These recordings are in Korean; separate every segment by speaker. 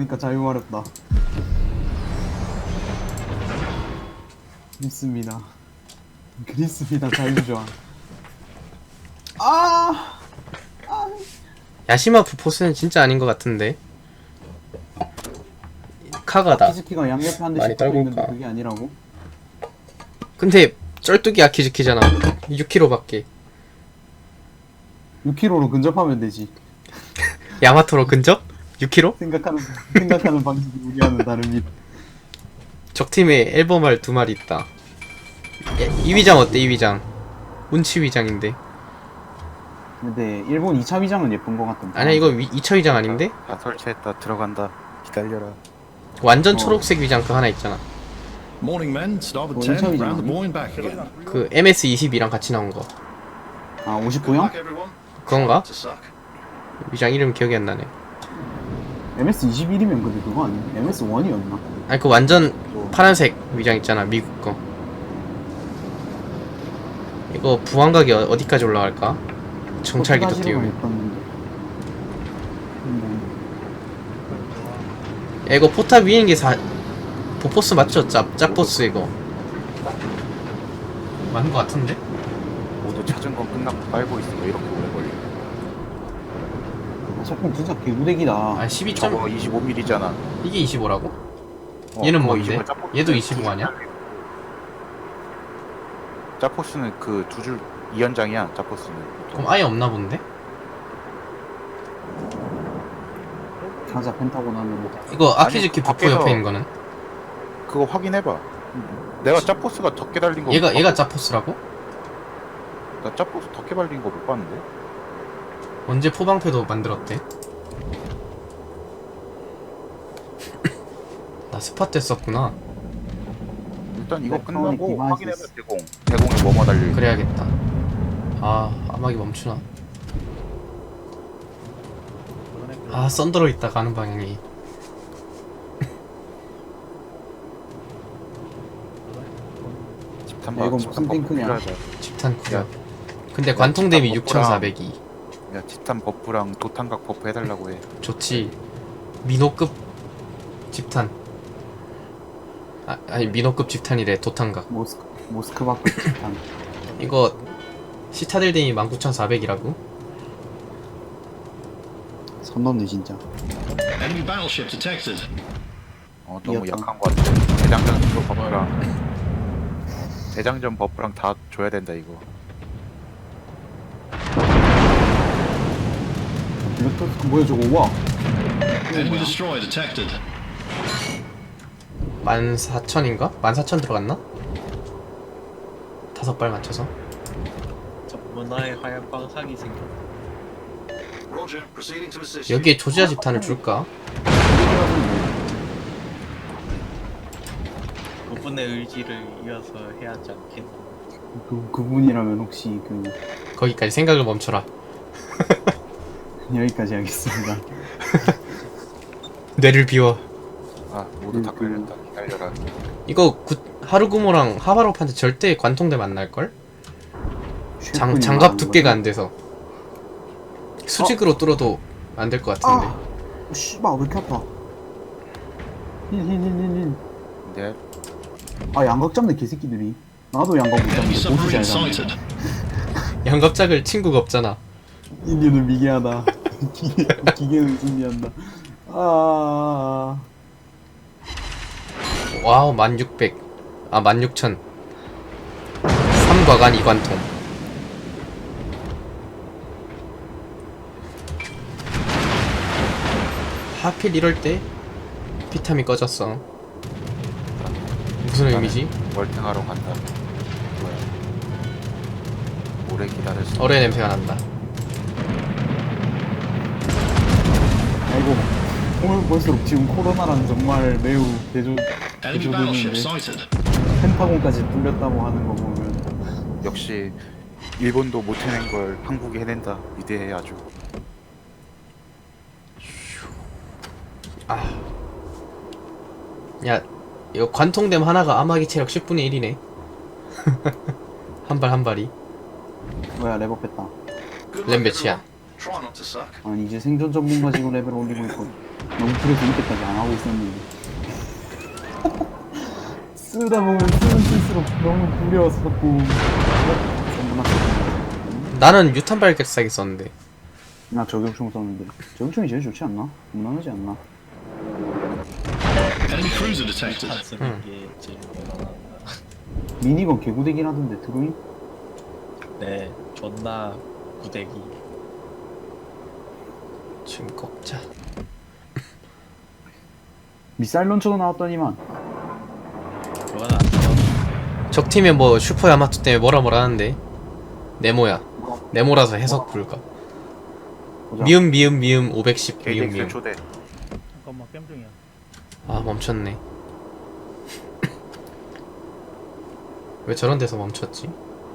Speaker 1: 그러니까 자유마렵다. 그립습니다. 그립습니다. 자유조항. 아!
Speaker 2: 야시마프 포스는 진짜 아닌 것 같은데. 카가다.
Speaker 1: 키즈키가 양옆에 한
Speaker 2: 많이
Speaker 1: 대씩 붙고 있는데
Speaker 2: 떨굴까?
Speaker 1: 그게 아니라고?
Speaker 2: 근데 쩔뚝이 아키즈키잖아. 6kg밖에.
Speaker 1: 6km로 근접하면 되지.
Speaker 2: 야마토로 근접? 6kg?
Speaker 1: 생각하는 방식이 우리와는 다릅니다.
Speaker 2: 적팀에 앨범알 2마리 있다. 이 위장 어때? 이 위장 운치 위장인데.
Speaker 1: 근데 일본 2차 위장은 예쁜 것 같던데.
Speaker 2: 아니야 이거 2차 위장 아닌데?
Speaker 3: 다 설치했다. 들어간다. 기다려라.
Speaker 2: 완전 초록색 위장 그 하나 있잖아.
Speaker 4: Morning, men. Starboard
Speaker 1: Morning,
Speaker 4: 10,
Speaker 1: Charlie.
Speaker 4: round the morning back again.
Speaker 2: 그 MS22랑 같이 나온 거.
Speaker 1: 아
Speaker 4: Good
Speaker 1: 59형?
Speaker 4: luck, everyone.
Speaker 2: 그건가?
Speaker 4: To suck.
Speaker 2: 위장 이름 기억이 안 나네.
Speaker 1: MS21이면 근데 그거 아니야? MS1이었나?
Speaker 2: 아니 그 완전 파란색 위장 있잖아 미국 거. 이거 부항각이 어디까지 올라갈까? 정찰기도 띄우고. 야 이거 포탑 위인 게 보포스 맞죠? 짭보스 이거 맞는 거 같은데?
Speaker 3: 모두 찾은 건 끝났고 빨고 있으면 이렇게 오래 걸려.
Speaker 1: 작품 진짜 개구대기다.
Speaker 2: 아 12점?
Speaker 3: 저거 25mm잖아.
Speaker 2: 이게 25라고? 얘는 뭔데? 얘도 25 아니야?
Speaker 3: 짜포스는 그 두 줄 2연장이야. 짜포스는.
Speaker 2: 그럼 아예 없나 본데?
Speaker 1: 가자 펜타곤 하면
Speaker 2: 이거 아키즈키
Speaker 3: 아니,
Speaker 2: 부포
Speaker 3: 밖에서-
Speaker 2: 옆에 있는 거는?
Speaker 3: 그거 확인해봐. 내가 짜포스가 덕게 달린 거.
Speaker 2: 얘가 짜포스라고?
Speaker 3: 나 짜포스 덕게 달린 거 못 봤는데.
Speaker 2: 언제 포방패도 만들었대? 나 스팟 때 썼구나.
Speaker 3: 일단 이거
Speaker 1: 일렉트로닉
Speaker 3: 끝나고
Speaker 1: 디바이스.
Speaker 3: 확인해봐. 대공에 뭐뭐 달려 있는.
Speaker 2: 그래야겠다. 아 암막이 멈추나? 아 썬더로 있다 가는 방향이.
Speaker 3: 집탄
Speaker 1: 야, 이건
Speaker 3: 집탄
Speaker 1: 무슨
Speaker 3: 버프
Speaker 1: 탱크냐?
Speaker 3: 필요하다.
Speaker 2: 집탄 구역.
Speaker 3: 야,
Speaker 2: 근데 관통 대비
Speaker 3: 집탄
Speaker 2: 6402.
Speaker 3: 야 집탄 버프랑 도탄각 버프 해달라고 해.
Speaker 2: 좋지. 민호급 집탄. 아니 민호급 집탄이래. 도탄각.
Speaker 1: 모스크바급 집탄.
Speaker 2: 이거 시타델 대비 19400이라고?
Speaker 1: 선 넘네 진짜.
Speaker 4: Enemy battleship detected.
Speaker 3: 너무
Speaker 1: 이었다.
Speaker 3: 약한 거 같아. 대장전 버프랑 다 줘야 된다 이거.
Speaker 1: 블랙토스 뭐야 저거 와.
Speaker 4: Enemy destroyer detected.
Speaker 2: 14,000인가? 14,000 들어갔나? 5발 맞춰서.
Speaker 5: 저 문화의 하얀 빵상이 생겼다.
Speaker 4: Roger. Proceeding to assist.
Speaker 2: 여기에 조지아 집탄을 줄까?
Speaker 5: 그분의 의지를 이어서 해야 하지 않겠나.
Speaker 1: 그분이라면 혹시
Speaker 2: 거기까지 생각을 멈춰라.
Speaker 1: 여기까지 하겠습니다.
Speaker 2: 뇌를 비워.
Speaker 3: 모두 다 걸렸다. 기다려라.
Speaker 2: 이거 하루구모랑 하바로프한테 절대 관통대 만날걸? 장갑 두께가 안 돼서 수직으로 뚫어도 안 될 것 같은데.
Speaker 1: 씨발 왜 이렇게 아파. 힐.
Speaker 3: 네.
Speaker 1: 양각 잡네 개새끼들이. 나도 양각 못
Speaker 4: Enemy
Speaker 1: 잡는데 보시 잘
Speaker 4: submarine
Speaker 1: 잡네.
Speaker 4: sighted.
Speaker 2: 양갑작을 친구가 없잖아.
Speaker 1: 인류는 미개하다. 기계는 승리한다.
Speaker 2: 와우 1600. 16,000. 3과간 2관통. 하필 이럴 때 피탐이 꺼졌어. 무슨 의미지?
Speaker 3: 월등하러 간다. 뭐야? 오래 기다렸어.
Speaker 2: 어뢰 냄새가 난다.
Speaker 1: 아이고 오늘 볼수록 지금 코로나랑 정말 매우
Speaker 4: Enemy battleship
Speaker 1: 대조되는데
Speaker 4: sighted.
Speaker 1: 펜타곤까지 뚫렸다고 하는 거 보면
Speaker 3: 역시 일본도 못 해낸 걸 한국이 해낸다. 위대해 아주.
Speaker 2: 야 이거 관통댐 하나가 암흑이 체력 10분의 1이네. 한 발 한 발이.
Speaker 1: 뭐야 레버 뺐다.
Speaker 4: Good
Speaker 2: 렘
Speaker 4: luck,
Speaker 2: 몇이야?
Speaker 4: everyone. Try not to suck.
Speaker 1: 아니 이제 생존 전문가 지금 레벨 올리고 있고 너무 그래서 이때까지 안 하고 있었는데. 쓰다 보면 쓸수록 너무 구려워서 자꾸.
Speaker 2: 나는 유탄 발격사기 썼는데.
Speaker 1: 나 저격총 썼는데. 저격총이 제일 좋지 않나? 무난하지 않나?
Speaker 4: Enemy cruiser detected.
Speaker 5: 안 쓰는 게 제일 무난하다.
Speaker 1: 미니건 개구대긴 하던데, 드로잉?
Speaker 5: 네, 존나 구대기.
Speaker 2: 지금 꺾자.
Speaker 1: 미사일 런처도 나왔더니만.
Speaker 5: 그건 안 돼요.
Speaker 2: 적팀에 뭐 슈퍼 야마토 때문에 뭐라 하는데. 네모야. 네모라서 해석 불가.
Speaker 1: 보자.
Speaker 2: 미음 510 미음
Speaker 3: KDX
Speaker 2: 미음.
Speaker 3: 초대.
Speaker 6: 잠깐만 게임 중이야.
Speaker 2: 아 멈췄네. 왜 저런 데서 멈췄지?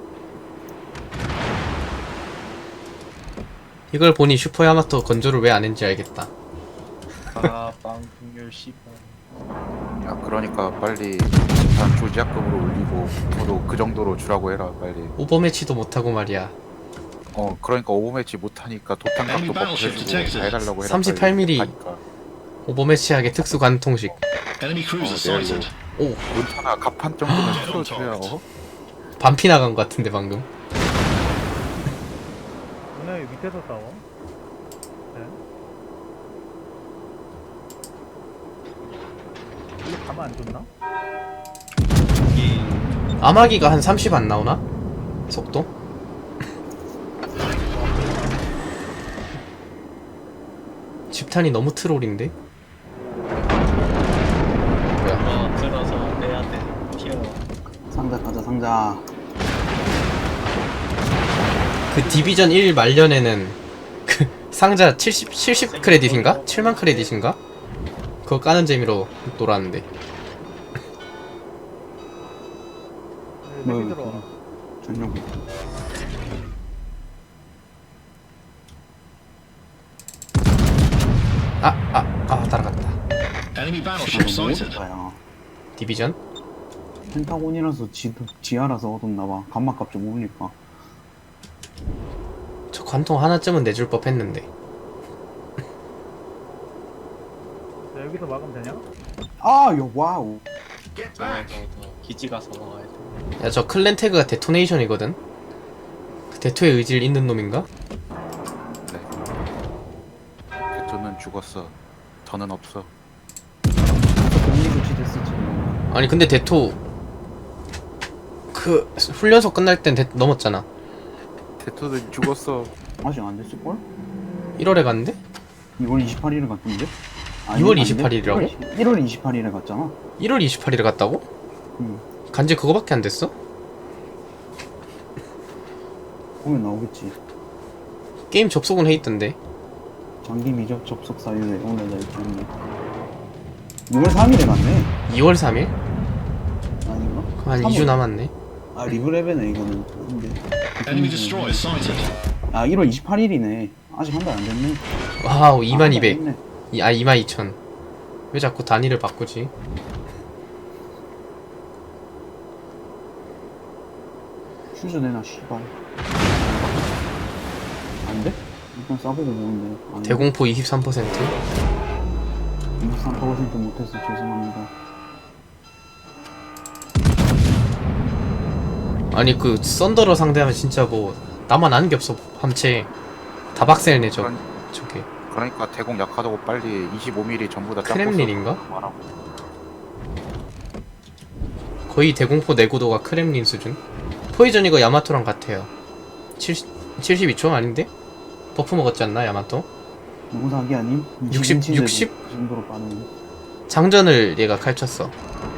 Speaker 2: 이걸 보니 슈퍼 야마토 건조를 왜 안 했는지 알겠다.
Speaker 5: 아, 빵국률 10원.
Speaker 3: 야 그러니까 빨리 집단 조지약금으로 올리고 저도 그 정도로 주라고 해라 빨리.
Speaker 2: 오버매치도 못하고 말이야.
Speaker 3: 그러니까 오버매치 못하니까 도탄값도 버프해주고 다 해달라고 해라.
Speaker 2: 38mm.
Speaker 3: 하니까.
Speaker 2: 오버매치하게 특수 관통식.
Speaker 4: Enemy cruiser
Speaker 3: 내가
Speaker 4: sighted.
Speaker 2: 오
Speaker 3: 문타나 갑판 정도는 틀어줘야
Speaker 2: 반피 나간 것 같은데 방금.
Speaker 6: 오늘 밑에서 싸워. 네. 이거 가면 안 좋나?
Speaker 5: 여기
Speaker 2: 아마기가 한 30 안 나오나? 속도? 집탄이 너무 트롤인데? 뭐야?
Speaker 5: 들어서 빼야 돼. 튀어.
Speaker 1: 상자 가자, 상자.
Speaker 2: 그 디비전 1 말년에는 그 상자 70 크레딧인가? 7만 크레딧인가? 그거 까는 재미로 놀았는데.
Speaker 6: 네,
Speaker 1: 뭐,
Speaker 6: 내기 들어와.
Speaker 1: 전용.
Speaker 2: 따라갔다.
Speaker 4: Enemy battleship sighted.
Speaker 1: 야
Speaker 2: 디비전?
Speaker 1: 펜타곤이라서 지하라서 얻었나봐. 감마값 좀 오르니까.
Speaker 2: 저 관통 하나쯤은 내줄 법 했는데.
Speaker 6: 자, 여기서 막으면 되냐?
Speaker 1: 아, 야, 와우.
Speaker 5: 기지 가서 먹어야 돼.
Speaker 2: 야, 저 클랜 태그가 데토네이션이거든? 그 데토의 의지를 잇는 놈인가?
Speaker 3: 저는 죽었어. 저는 없어.
Speaker 1: 격리 조치됐어, 지금.
Speaker 2: 아니 근데 데토 그 훈련소 끝날 땐 넘었잖아.
Speaker 3: 대토는 죽었어.
Speaker 1: 아직 안 됐을걸?
Speaker 2: 1월에 갔는데?
Speaker 1: 2월 28일에 갔던데?
Speaker 2: 2월 28일 이라고?
Speaker 1: 1월 28일에 갔잖아.
Speaker 2: 1월 28일에 갔다고?
Speaker 1: 응.
Speaker 2: 간지 그거밖에 안 됐어?
Speaker 1: 보면 나오겠지.
Speaker 2: 게임 접속은 해 있던데.
Speaker 1: 장기 미적 접속 사유에 오늘날 있네. 6월 3일에 갔네.
Speaker 2: 2월 3일?
Speaker 1: 아닌가?
Speaker 2: 그럼 한 2주
Speaker 1: 3월.
Speaker 2: 남았네.
Speaker 1: 아, 리브레베네, 이거는. 근데.
Speaker 4: Enemy destroyer sighted.
Speaker 1: 아, 1월 28일이네. 아직 한 달 안 됐네.
Speaker 2: 와우,
Speaker 1: 아,
Speaker 2: 2200.
Speaker 1: 됐네.
Speaker 2: 22,000. 왜 자꾸 단위를 바꾸지?
Speaker 1: 슈즈 내놔, 씨발. 안 돼? 일단 싸보고 보는데. 안 돼.
Speaker 2: 대공포 23%?
Speaker 1: 23% 못해서 죄송합니다.
Speaker 2: 아니 그 썬더러 상대하면 진짜 뭐 나만 아는 게 없어. 함체 다 박살내 저 저게.
Speaker 3: 그러니까 대공 약하다고 빨리 25mm 전부 다
Speaker 2: 크렘린인가?
Speaker 3: 말하고.
Speaker 2: 거의 대공포 내구도가 크렘린 수준? 포이전 이거 야마토랑 같아요. 72초 아닌데? 버프 먹었지 않나 야마토?
Speaker 1: 누구 사기 아님?
Speaker 2: 60?
Speaker 1: 그 정도로 빠르네.
Speaker 2: 장전을 얘가 칼쳤어.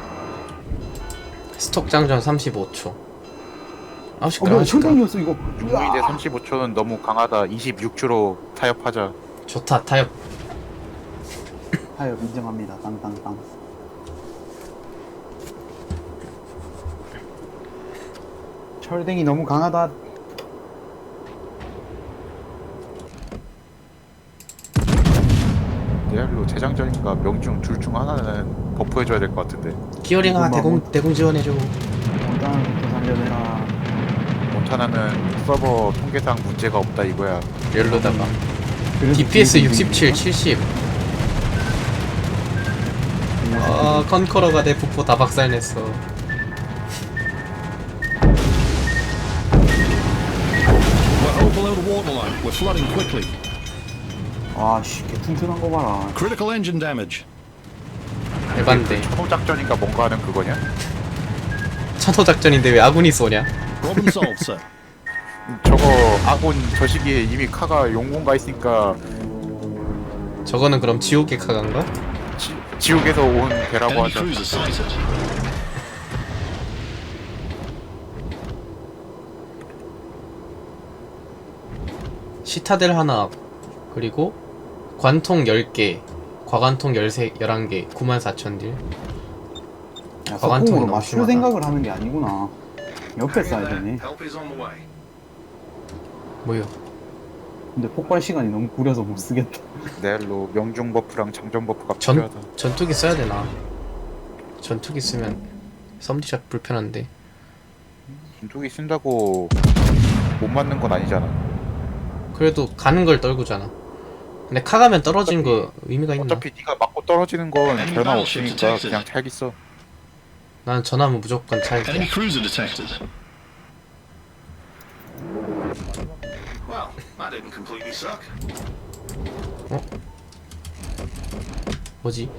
Speaker 2: 스톡 장전 35초. 아우씨
Speaker 1: 뭐야, 철강이었어, 이거.
Speaker 3: 중위대 35초는 너무 강하다. 26초로 타협하자.
Speaker 2: 좋다 타협.
Speaker 1: 타협 인정합니다. 땅땅땅. 철댕이 너무 강하다.
Speaker 3: 리알로 재장전인가 명중 둘 중 하나는 버프해줘야 될 것 같은데.
Speaker 2: 기어링아 대공 지원해줘.
Speaker 1: 일단부터 살려내라.
Speaker 3: 몬타나는 서버 통계상 문제가 없다 이거야.
Speaker 2: 열로다가
Speaker 1: 그래서
Speaker 2: DPS
Speaker 1: 뒤에
Speaker 2: 67,
Speaker 1: 있는
Speaker 2: 70. 아 컨커러가 내 부포 다 박살냈어.
Speaker 4: We're hull below the waterline. We're flooding quickly.
Speaker 1: 아씨 개 튼튼한 거 봐라.
Speaker 4: Critical engine damage.
Speaker 2: 대반데.
Speaker 3: 천호작전인가 뭔가 하는 그거냐?
Speaker 2: 천호작전인데 왜 아군이 쏘냐?
Speaker 4: Problem solved, sir.
Speaker 3: 저거 아군 저 시기에 이미 카가 용궁 가 있으니까
Speaker 2: 저거는 그럼 지옥의 카간가?
Speaker 3: 지옥에서 온 배라고
Speaker 4: Enemy
Speaker 3: 하죠.
Speaker 4: cruiser sighted.
Speaker 2: 시타델 하나 그리고 관통 10개 과관통 11개 94,000딜.
Speaker 1: 야,
Speaker 2: 과관통이
Speaker 1: 석궁으로
Speaker 2: 너무
Speaker 1: 맞출
Speaker 2: 심하다.
Speaker 1: 생각을 하는 게 아니구나. 옆에 쏴야 되네.
Speaker 4: Help is on the way.
Speaker 2: 뭐요?
Speaker 1: 근데 폭발 시간이 너무 구려서 못 쓰겠다.
Speaker 3: 내일로 명중 버프랑 장전 버프가 필요하다.
Speaker 2: 전투기 써야 되나? 전투기 쓰면 썸디샷 불편한데.
Speaker 3: 전투기 쓴다고 못 맞는 건 아니잖아.
Speaker 2: 그래도 가는 걸 떨구잖아. 근데 카 가면 떨어지는 거 의미가 있나?
Speaker 3: 어차피 네가 맞고 떨어지는 건 변화 없으니까 그냥 잘 있어.
Speaker 2: 나는 전화하면 무조건 찰게.
Speaker 4: Enemy cruiser detected. Well, that didn't completely suck.
Speaker 2: 뭐지?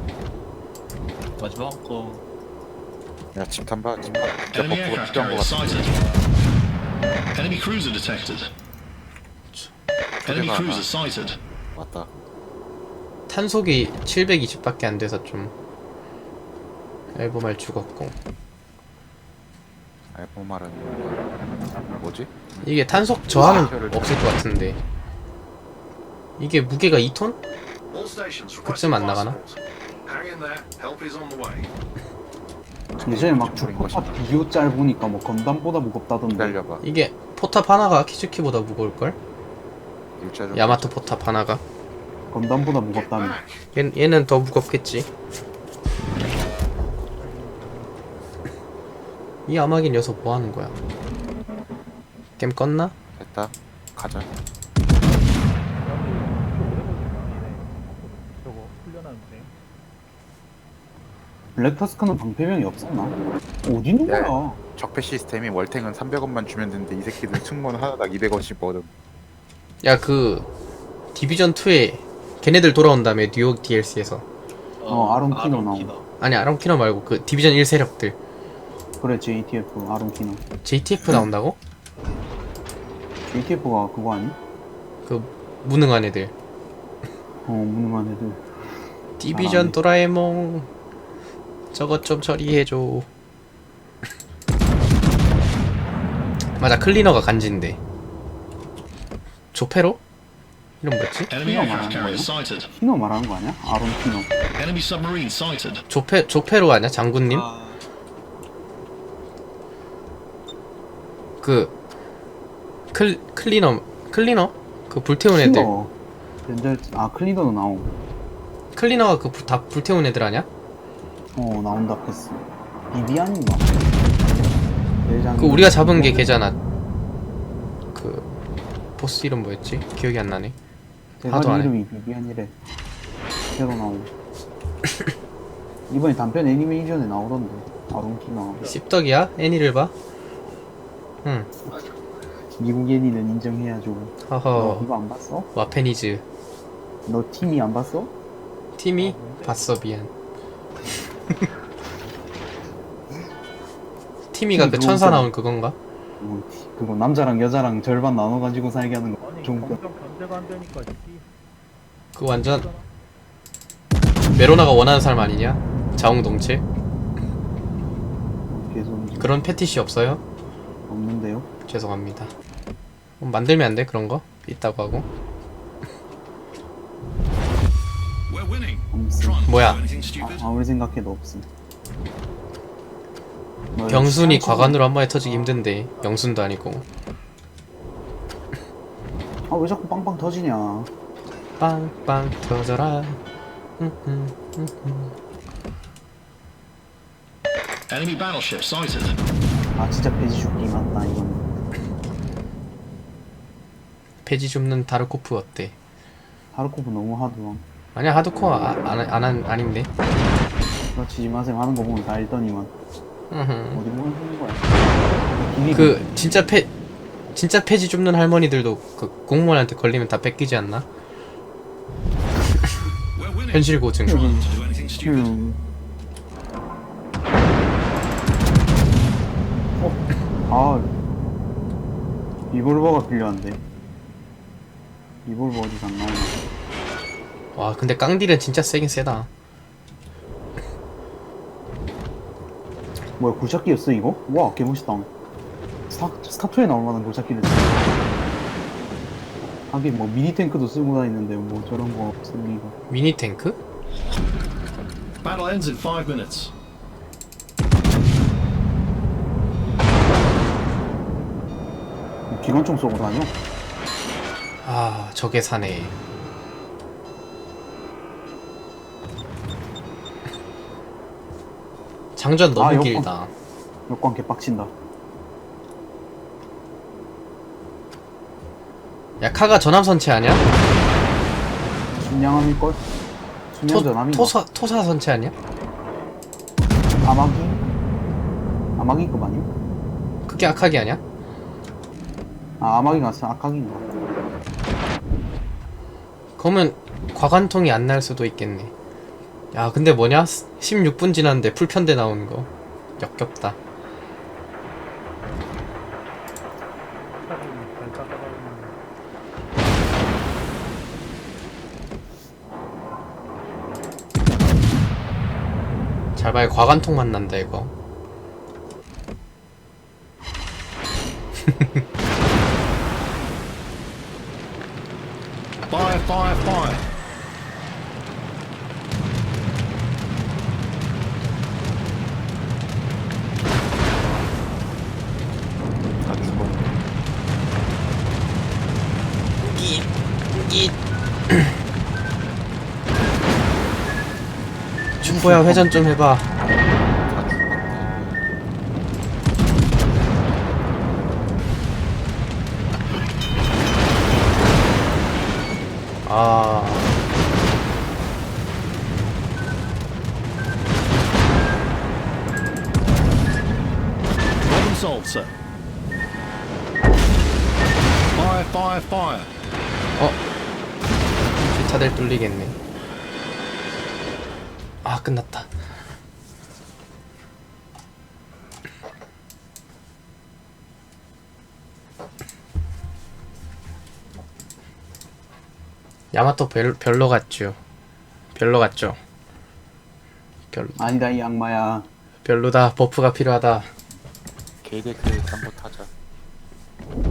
Speaker 5: 마지막 거
Speaker 3: 야 집탄 봐. 집탄 진짜
Speaker 4: Enemy
Speaker 3: 버프가
Speaker 4: aircraft
Speaker 3: 필요한
Speaker 4: carrier
Speaker 3: 것 같아.
Speaker 4: sighted. Enemy cruiser detected. Enemy
Speaker 3: 초대가
Speaker 4: cruiser sighted.
Speaker 3: 맞다.
Speaker 2: 탄속이 720밖에 안 돼서 좀 앨범알 죽었고.
Speaker 3: 알고 말은 뭐지?
Speaker 2: 이게 탄속 저하는
Speaker 3: 아,
Speaker 2: 없을 것 같은데. 이게 무게가 2톤?
Speaker 4: All stations
Speaker 2: 그쯤 안 나가나?
Speaker 4: Hang in there. Help is on the way.
Speaker 1: 예전에 막
Speaker 3: 중거린
Speaker 1: 주포탑
Speaker 3: 것이다.
Speaker 1: 비교 짤 보니까 뭐 건담보다 무겁다던데.
Speaker 3: 기다려봐.
Speaker 2: 이게 포탑 하나가 키즈키보다 무거울걸?
Speaker 3: 일자 좀.
Speaker 2: 야마토 포탑 하나가?
Speaker 1: 건담보다 무겁다며.
Speaker 2: 얘는 더 무겁겠지. 이 아마긴 녀석 뭐 하는 거야? 게임 껐나?
Speaker 3: 됐다. 가자.
Speaker 6: 저거 훈련하는데.
Speaker 1: 블랙터스크는 방패병이 없었나? 어디 있는
Speaker 3: 네.
Speaker 1: 거야?
Speaker 3: 적폐 시스템이 월탱은 300원만 주면 되는데 이 새끼들 승무원 하나당 200원씩 버든.
Speaker 2: 야 그 디비전 2에 걔네들 돌아온 다음에 뉴욕 DLC에서
Speaker 1: 아론키노 나오고.
Speaker 2: 아니 아론키너 말고 그 디비전 1 세력들
Speaker 1: 그래 JTF 아론키노.
Speaker 2: JTF 나온다고?
Speaker 1: JTF가 그거 아니?
Speaker 2: 그 무능한 애들.
Speaker 1: 무능한 애들.
Speaker 2: 디비전
Speaker 1: 잘하네.
Speaker 2: 도라에몽 저것 좀 처리해줘. 맞아 클리너가 간지인데. 조페로? 이름 뭐였지?
Speaker 4: Enemy
Speaker 1: Come on,
Speaker 4: aircraft carrier
Speaker 1: man.
Speaker 4: sighted.
Speaker 1: 키노 말하는 거 아니야? 아론키노.
Speaker 4: Enemy submarine sighted.
Speaker 2: 조페로 아니야 장군님? 그 클리너 그 불태운 애들.
Speaker 1: 키노. 연절 클리너도 나오고.
Speaker 2: 클리너가 그 다 불태운 애들 아니야?
Speaker 1: 나온다 패스. 비비안인가?
Speaker 2: 그 우리가 잡은 게 걔잖아. 그 보스 이름 뭐였지? 기억이 안 나네. 하도
Speaker 1: 대가리
Speaker 2: 안 해.
Speaker 1: 이름이 비비안이래. 새로 나오고. 이번에 단편 애니메이션에 나오던데. 아론키노.
Speaker 2: 씹덕이야? 애니를 봐? 응.
Speaker 1: 미국 애니는 인정해야죠. 너
Speaker 2: 허허.
Speaker 1: 이거 안 봤어?
Speaker 2: 와페니즈.
Speaker 1: 너 팀이 안 봤어?
Speaker 2: 팀이 봤어 미안. 티미가 그 천사 나온 그건가?
Speaker 1: 그거 남자랑 여자랑 절반 나눠가지고 살게 하는 거.
Speaker 6: 아니
Speaker 1: 좋은 거.
Speaker 6: 검정 견제가 안 되니까 씨.
Speaker 2: 그 완전 메로나가 원하는 사람 아니냐? 자웅동체?
Speaker 1: 계속
Speaker 2: 그런 패티시 없어요?
Speaker 1: 없는데요?
Speaker 2: 죄송합니다. 만들면 안 돼 그런 거? 있다고 하고.
Speaker 4: We're winning.
Speaker 1: 없음.
Speaker 4: Try and
Speaker 2: 뭐야?
Speaker 4: do anything stupid.
Speaker 1: 아무리 생각해도 없음. 너
Speaker 2: 병순이
Speaker 1: 시간
Speaker 2: 과관으로 한 번에 터지기 힘든데 영순도 아니고.
Speaker 1: 왜 자꾸 빵빵 터지냐?
Speaker 2: 빵빵 터져라.
Speaker 4: Enemy battleship sighted.
Speaker 1: 진짜 배지 죽기 맞다 이건.
Speaker 2: 폐지 줍는 다르코프 어때?
Speaker 1: 하르코프 너무 하드함.
Speaker 2: 아니야 하드코어 아닌데.
Speaker 1: 치지 마세요 하는 거 보면 다 알더니만
Speaker 2: 으흠.
Speaker 1: 어디 보면 쓰는 거야. 길이
Speaker 2: 그 진짜 폐지 줍는 할머니들도 그 공무원한테 걸리면 다 뺏기지 않나? 현실 고증.
Speaker 1: 아 리볼버가 필요한데 리볼버 어디서 안 나오나.
Speaker 2: 와 근데 깡딜은 진짜 세긴 세다.
Speaker 1: 뭐야 굴착기였어 이거? 와 개멋있다. 스타2에 나올 만한 굴착기를 하긴 뭐 미니 탱크도 쓰고 다니는데 뭐 저런 거 쓸 리가.
Speaker 2: 미니 탱크?
Speaker 4: Battle ends in 5 minutes.
Speaker 1: 기관총 쏘고 다녀?
Speaker 2: 아 저게 사네. 장전 너무
Speaker 1: 아, 여권.
Speaker 2: 길다.
Speaker 1: 역광 개빡친다.
Speaker 2: 야 카가 전함선체 아니야?
Speaker 1: 순양함일걸? 순양전함인가?
Speaker 2: 토사 선체 아니야?
Speaker 1: 아마기? 아마기급 아니야?
Speaker 2: 그게 악하기 아니야?
Speaker 1: 아 아마기가 아카기인가?
Speaker 2: 그러면 과관통이 안 날 수도 있겠네. 야 근데 뭐냐? 16분 지났는데 풀편대 나오는 거 역겹다. 잘 봐요 과관통 만난다 이거.
Speaker 4: Fire, fire, fire.
Speaker 3: 다 죽었네.
Speaker 2: 춘보야 회전 좀 해봐.
Speaker 3: 다 죽었네.
Speaker 2: 아
Speaker 4: Problem solved, sir. Fire, fire, fire.
Speaker 2: 주차들 뚫리겠네. 아 끝났다. 야마토 별로 같죠. 별로 같죠.
Speaker 1: 아니다 이 악마야.
Speaker 2: 별로다. 버프가 필요하다.
Speaker 3: 개개그 잠못 하자.